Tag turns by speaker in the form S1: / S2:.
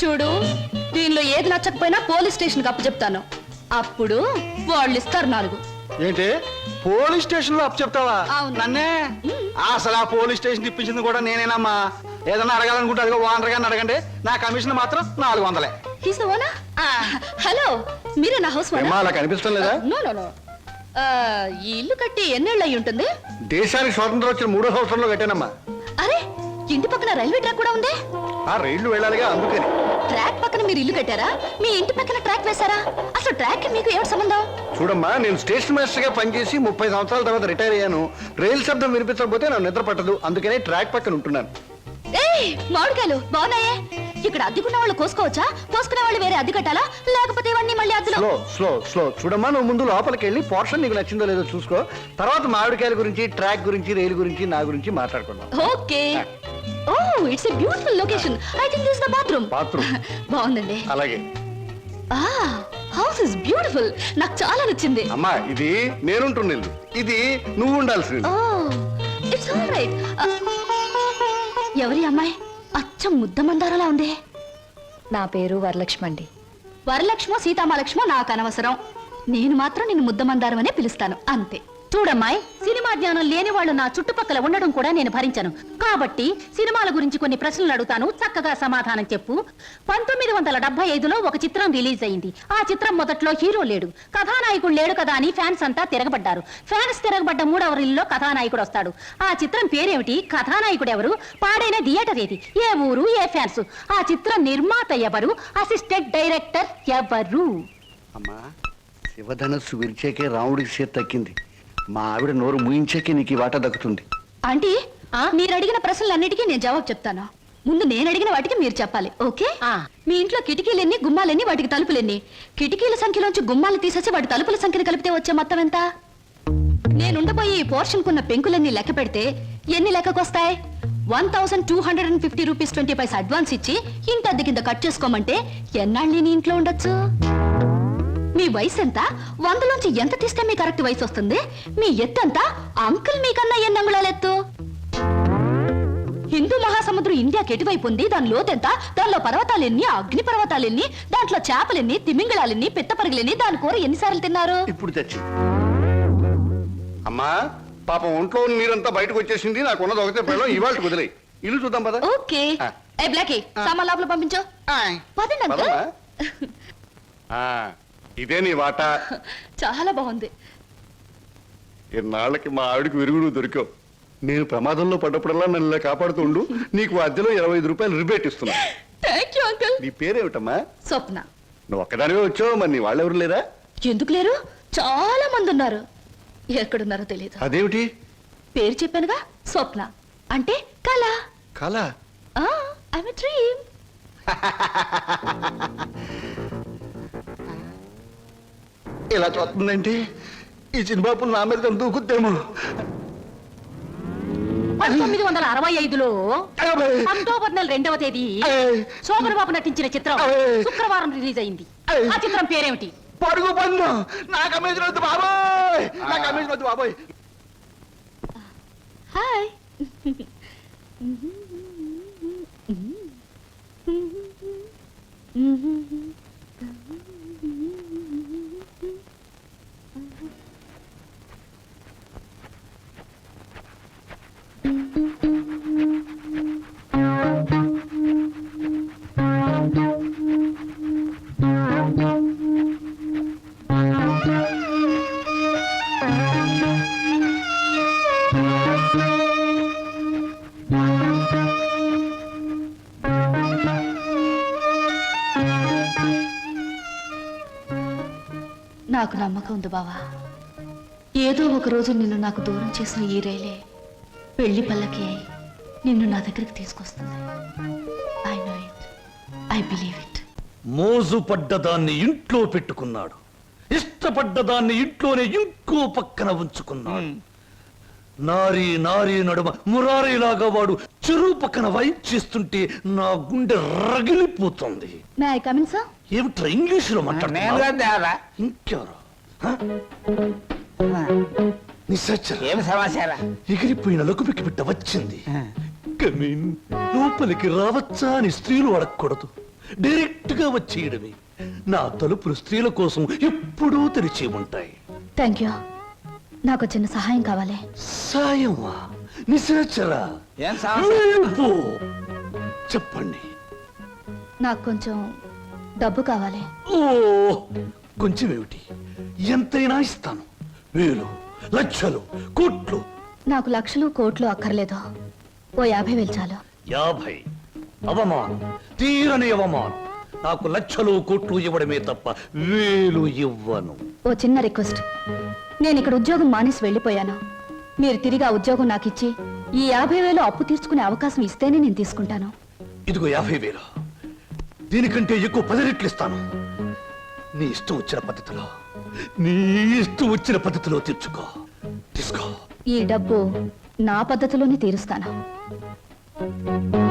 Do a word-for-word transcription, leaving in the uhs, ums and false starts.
S1: చూడు, దీనిలో ఏది నచ్చకపోయినా పోలీస్ స్టేషన్ కి అప్పు చెప్తాను. అప్పుడు వాళ్ళు ఇస్తారు నాలుగు.
S2: ఏంటి పోలీస్ స్టేషన్ లో అప్పు చెప్తావా?
S1: అవును.
S2: నన్నే? అసలు ఆ పోలీస్ స్టేషన్ ఇప్పించింది కూడా నేనేనమ్మా. ఏదన్నా అడగాలనుకుంటే అదిగో ఓనర్ గారిని అడగండి. నా కమిషన్ మాత్రం నాలుగు వందలే.
S1: హలో, మీరే నా హౌస్
S2: ఏమ్మా, అలా కనిపిస్తాం లేదా?
S1: No no no. ఈ ఇల్లు కట్టి ఎన్నేళ్ళు అయి ఉంటుంది?
S2: దేశానికి స్వాతంత్రం వచ్చిన మూడో సంవత్సరంలో కట్టానమ్మా.
S1: అరే, ఇంటి పక్కన రైల్వే ట్రాక్ కూడా ఉంది.
S2: ఆ రైళ్లు వెళ్ళాలిగా, అందుకని.
S1: ట్రాక్ పక్కన మీరు ఇల్లు కట్టారా? మీ ఇంటి పక్కన ట్రాక్ వేశారా? అసలు ట్రాక్ మీకు ఏమిటి సంబంధం?
S2: చూడమ్మా, నేను స్టేషన్ మాస్టర్ గా పనిచేసి ముప్పై సంవత్సరాల తర్వాత రిటైర్ అయ్యాను. రైలు శబ్దం వినిపించకపోతే నాకు నిద్ర పట్టదు, అందుకనే ట్రాక్ పక్కన ఉంటున్నాను.
S1: ఏయ్, మామిడికాయలు బాగున్నాయే. ఇక్కడ అద్దెకున్న వాళ్ళు కోసుకోవచ్చా? కోసుకునే వాళ్ళు వేరే అద్దె కట్టాలా? లేకపోతే ఇవన్నీ మళ్ళీ అద్దెలో?
S2: స్లో స్లో స్లో చూడమ్మా, నువ్వు ముందు లోపలికి వెళ్ళి పోర్షన్ నీకు నచ్చిందో లేదో చూసుకో. తర్వాత మామిడికాయల గురించి, ట్రాక్ గురించి, రైలు గురించి, నా గురించి మాట్లాడుకుందాం.
S1: Okay. Oh, it's a beautiful location. I think this is the bathroom.
S2: Bathroom
S1: బాగుందండి.
S2: అలాగే.
S1: ఆ, హౌస్ ఇస్ బ్యూటిఫుల్. నాకు చాలా నచ్చింది.
S2: అమ్మా, ఇది నేనుంటున్న ఇల్లు, ఇది నువ్వు ఉండాల్సింది.
S1: Oh, it's all right. ఎవరి అమ్మాయి? అచ్చం ముద్ద మందారలా ఉంది.
S3: నా పేరు వరలక్ష్మి అండి.
S1: వరలక్ష్మో సీతామలక్ష్మో నాకు అనవసరం. నేను మాత్రం నిన్ను ముద్ద మందారం అనే పిలుస్తాను, అంతే. చూడమ్మాయి, సినిమా జ్ఞానం లేని వాళ్ళు నా చుట్టుపక్కల ఉండడం కూడా నేను భరించను. కాబట్టి సినిమాల గురించి కొన్ని ప్రశ్నలు అడుగుతాను, చక్కగా సమాధానం చెప్పు. పంతొమ్మిది వందల డెబ్బై ఐదులో ఒక చిత్రం రిలీజ్ అయింది. ఆ చిత్రం మొదట్లో హీరో లేడు, కథానాయకుడు లేడు కదా అని ఫ్యాన్స్ అంతా తిరగబడ్డారు. ఫ్యాన్స్ తిరగబడ్డ మూడవ రీల్లో కథానాయకుడు వస్తాడు. ఆ చిత్రం పేరేమిటి? కథానాయకుడు ఎవరు? పాడైన థియేటర్ ఏది? ఏ ఊరు? ఏ ఫ్యాన్స్? ఆ చిత్రం నిర్మాత ఎవరు? అసిస్టెంట్ డైరెక్టర్ ఎవరు?
S2: అమ్మా, శివధనస్సు విరిచేకే రాముడికి సీత తక్కింది. మా ఆవిడ నోరు ముయించాకే నీకు ఈ వాటా దక్కుతుంది.
S1: ఆంటీ, మీరు అడిగిన ప్రశ్నలన్నిటికీ నేను జవాబు చెప్తాను. ముందు నేను అడిగిన వాటికి మీరు చెప్పాలి, ఓకే? మీ ఇంట్లో కిటికీలెన్ని, గుమ్మాలెన్ని, వాటికి తలుపులెన్ని? కిటికీల సంఖ్యలోంచి గుమ్మాలు తీసేసి వాటి తలుపుల సంఖ్యను కలిపితే వచ్చే మొత్తం ఎంత? నేనుండబోయి ఈ పోర్షన్ కున్న పెంకులన్నీ లెక్క పెడితే ఎన్ని లెక్కకొస్తాయి? One thousand two hundred and fifty rupees twenty paise advance ఇచ్చి ఇంటి అద్దె కింద కట్ చేసుకోమంటే ఎన్నాళ్ళు నీ ఇంట్లో ఉండొచ్చు? మీ వయసు ఎంత? వందలోంచి ఎంత తీస్తే మీ కరెక్ట్ వయసు వస్తుంది? మీ ఎత్తు ఎంత? అంకుల్ మీకన్నా ఎన్ని అంగుళాల ఎత్తు? హిందూ మహాసముద్రం ఇండియాకి ఎటువైపు ఉంది? దాని లోతెంత? దానిలో పర్వతాలెన్ని, అగ్ని పర్వతాలెన్ని, దాంట్లో చేపలెన్ని, తిమింగళాలెన్ని, పిత్తపరుగులెన్ని, దాని కూర ఎన్నిసార్లు తిన్నారు?
S2: ఇప్పుడు తెచ్చి అమ్మా, పాపం ఒంట్లో నీరంతా బయటకు వచ్చేసింది. నాకున్నది ఒకటే పిల్లలు, ఇవాళ కుదిలే. ఇల్లు చూద్దాం పద.
S1: ఓకే. ఏ బ్లాకీ, సామాన్ లోపల పంపించు. పదండి అంకుల్.
S2: ఇదే నీ వాటా.
S1: చాలా బాగుంది.
S2: ఇన్నాళ్ళకి మా ఆవిడికి విరుగుడు దొరికావు. నేను ప్రమాదంలో పడ్డప్పుడల్లా నన్ను ఇలా కాపాడుతుండు. నీకు అద్దెలో ఇరవై ఐదు రూపాయలు రిబేట్ ఇస్తున్నా.
S1: Thank you uncle.
S2: నీ పేరేమిటమ్మా?
S1: స్వప్న.
S2: నువ్వు ఒక్కదానివే వచ్చావు, మరి నీ వాళ్ళెవరు లేరా?
S1: ఎందుకు లేరు? చాలా మంది ఉన్నారు. ఎక్కడున్నారో తెలియదు.
S2: అదేమిటి?
S1: పేరు చెప్పానుగా, స్వప్న అంటే కళ.
S2: కళ?
S1: I'm a dream.
S2: ఇలా చూస్తుందంటే ఈ చిన్నబాబు నా మీద దూకుద్దేమో.
S3: పంతొమ్మిది వందల అరవై ఐదులో అక్టోబర్ నెల రెండవ తేదీ శోభన్ బాబు నటించిన చిత్రం శుక్రవారం రిలీజ్ అయింది. ఆ చిత్రం పేరేమిటి?
S2: పడుగు పన్ను. నా కమిషన్ వద్దు బాబోయ్, నా కమిషన్ వద్దు బాబోయ్.
S1: హాయ్. నాకు నమ్మకం ఉంది బావా. ఏదో ఒక రోజు నిన్ను నాకు దూరం చేసిన ఈ రైలే పెళ్లి పల్లకి అయి నిన్ను నా దగ్గరికి తీసుకొస్తుంది. I know it, I believe it.
S4: మోజు పడ్డదాన్ని ఇంట్లో పెట్టుకున్నాడు, ఇష్టపడ్డదాన్ని ఇంట్లోనే ఇంకో పక్కన ఉంచుకున్నాడు. నారీ నారీ నడుమ మురారీలాగా వాడు చెరువు పక్కన వైప్ చేస్తుంటే నా గుండె రగిలిపోతుంది.
S1: May I come in sir?
S4: ఏమిట్రా ఇంగ్లీషులో మాట్లాడుతున్నావు? ఇంకెవరు?
S5: ఏం సమాచారం?
S4: ఎగిరిపోయిన లకుపికి బిడ్డ వచ్చింది. కమీన్, లోపలికి రావచ్చా అని స్త్రీలు అడగకూడదు, డైరెక్ట్ గా వచ్చేయడమే. నా తలుపులు స్త్రీల కోసం ఎప్పుడూ తెరిచి ఉంటాయి.
S1: Thank you. నాకు చిన్న సహాయం కావాలి.
S4: సాయమా? నిశాచరా,
S5: ఏం సమస్య?
S4: వెళ్ళిపో. చెప్పండి.
S1: నాకు కొంచెం డబ్బు కావాలి.
S4: ఓ, కొంచెం ఏమిటి, ఎంతైనా ఇస్తాను. వేలు, లక్షలు, కోట్లు.
S1: నాకు లక్షలు కోట్లు అక్కర్లేదు. ఓ యాభై వేలు చాలు.
S4: యాభై? అవమానం, తీరని అవమానం. నాకు లక్షలు కోట్లు ఇవ్వడమే తప్ప వేలు ఇవ్వను.
S1: ఓ చిన్న రిక్వెస్ట్. నేను ఇక్కడ ఉద్యోగం మానేసి వెళ్ళిపోయాను. మీరు తిరిగి ఆ ఉద్యోగం నాకు ఇచ్చి ఈ యాభై వేలు అప్పు తీర్చుకునే అవకాశం ఇస్తేనే నేను తీసుకుంటాను.
S4: ఇదిగో యాభై వేలు. దీనికంటే ఎక్కువ పది రెట్లు ఇస్తాను. నీ ఇష్టం వచ్చిన పద్ధతిలో, నీ ఇష్టం వచ్చిన పద్ధతిలో తీర్చుకో. తీసుకో.
S1: ఈ డబ్బు నా పద్ధతిలోనే తీరుస్తాను.